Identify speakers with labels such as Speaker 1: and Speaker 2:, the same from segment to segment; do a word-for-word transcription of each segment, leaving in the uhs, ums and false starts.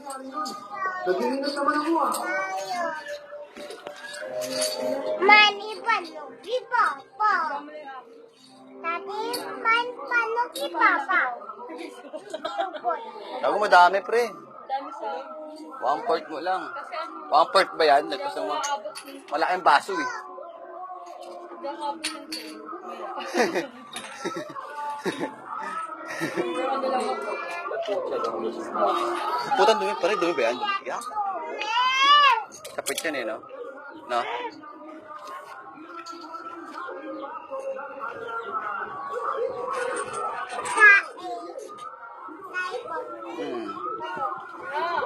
Speaker 1: Naglinis naman ako ah.
Speaker 2: Mani panuki papa. Tati man panuki papa.
Speaker 3: Ako madami, pre.
Speaker 4: Dami sa...
Speaker 3: One part mo lang.
Speaker 4: Kasi ano,
Speaker 3: One part ba yan?
Speaker 4: hindi
Speaker 3: Nagpas
Speaker 4: ako
Speaker 3: mo.
Speaker 4: maabot ng...
Speaker 3: Malaking baso eh.
Speaker 4: Hindi ako maabot ng... Pero ano lang ako.
Speaker 3: Putang dumi pa rin. Dumi ba yan? Yeah. Kapit yan eh, no? No? Hmm.
Speaker 4: Ah!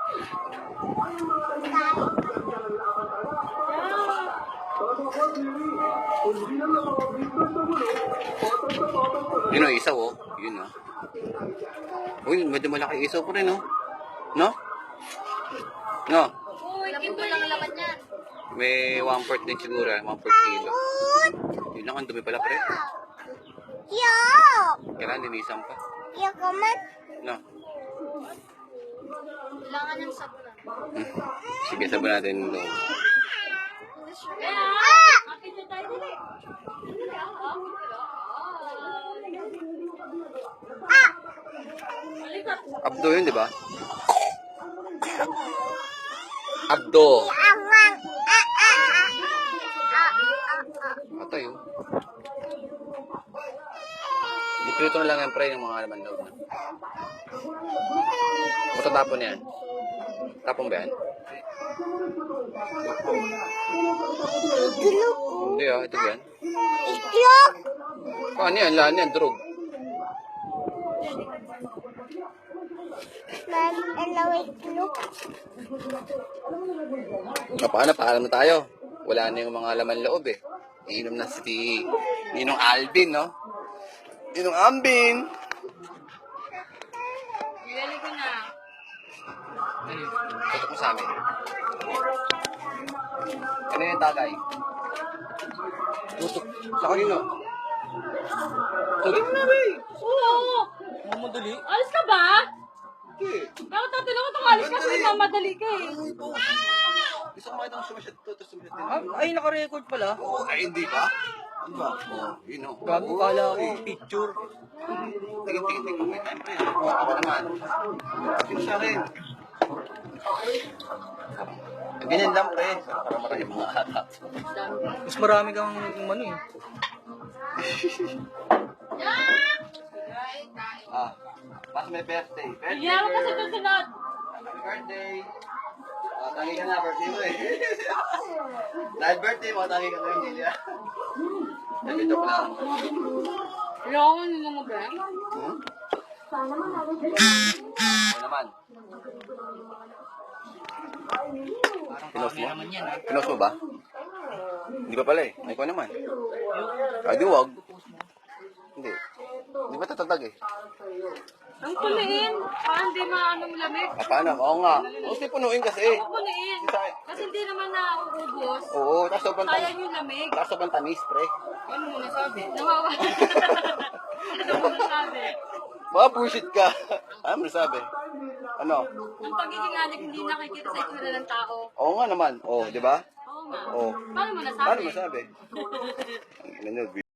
Speaker 3: Yun o, isaw oh. Yun o. Uy, medyo malaki isaw po rin oh. No? No?
Speaker 4: Uy, kimbo lang ang laman niyan.
Speaker 3: May one part din siguro. One part kilo. Yun lang, ang dumi pala pre.
Speaker 2: Yo.
Speaker 3: Kailangan linisan pa.
Speaker 2: Yo kaman.
Speaker 3: No?
Speaker 4: Kailangan ng sabunan.
Speaker 3: Hmm. Sige, sabi natin yung loob.
Speaker 4: Kaya, akit na tayo dali.
Speaker 3: Abdo yun, di ba? Abdo.
Speaker 2: Amang. Ah ah ah. Ah ah.
Speaker 3: Patay oh. Iprito na lang yan pre yung mga laman loob na. Buto tapon yan. Tapon ba yan?
Speaker 2: Itlog.
Speaker 3: Hindi ah, ito ba yan?
Speaker 2: Itlog.
Speaker 3: Paano yan? Lahan yan, drog.
Speaker 2: Ma'am, hello itlog.
Speaker 3: Ah, paano? Paalam na tayo. Wala na yung mga laman loob eh. Iinom na si Ninong Alvin, no? Ninong Ambin!
Speaker 4: Ilali ko na.
Speaker 3: Tutok mo sa amin. Ano yung tagay? Tutok sa kanino? Tutok na ba eh!
Speaker 4: Oo!
Speaker 3: Mamadali?
Speaker 4: Alis ka ba?
Speaker 3: Okay.
Speaker 4: Bakit tatanong ko itong alis kasi mamadali ka eh.
Speaker 3: Gusto ko makita kung sumasyat to, tapos sumasyat din.
Speaker 5: Ay, naka-record pala.
Speaker 3: Oo, ay hindi ba? Ano ba? Oo, yun o.
Speaker 5: Gago kala ko, picture.
Speaker 3: Tingin, tingin, tingin. May time pa yan. Oo, ako naman. Yun sa akin. Ganyan lang, pre. Para marami mga hatap.
Speaker 5: Mas marami kang ano eh.
Speaker 3: Ah, mas may birthday. Birthday,
Speaker 4: Iyan mo kasi
Speaker 3: girl.
Speaker 4: susunod.
Speaker 3: Happy birthday. Ah, tangi ka na, birthday mo eh. Dahil birthday mo, tangi ka na yung Lilia. Sabi ito lang.
Speaker 4: Ayoko ko nung mo ba?
Speaker 3: Hmm? Ano naman? Pinost mo? Pinost mo ba? Hindi pa pala eh. Ay ko naman. Ay di wag. Hindi. Hindi ba tatatag eh?
Speaker 4: Ang puliin. Parang di maanong lamig.
Speaker 3: Ah, paano? Oo nga. Kasi punuin kasi.
Speaker 4: Ang puliin. Kasi hindi naman nauubos.
Speaker 3: Oo, tapos sobrang tamis.
Speaker 4: Sayang yung lamig.
Speaker 3: Tapos sobrang tamis, pre.
Speaker 4: Ano mo nasabi? Nawawala. Ano mo nasabi?
Speaker 3: Baka bullshit ka. Ano mo nasabi? Ano?
Speaker 4: Ang pagiging anik hindi nakikita sa itsura ng tao.
Speaker 3: Oo nga naman. Oo, di ba?
Speaker 4: Oo nga.
Speaker 3: Oo.
Speaker 4: Paano mo nasabi?
Speaker 3: Paano masabi? Ano,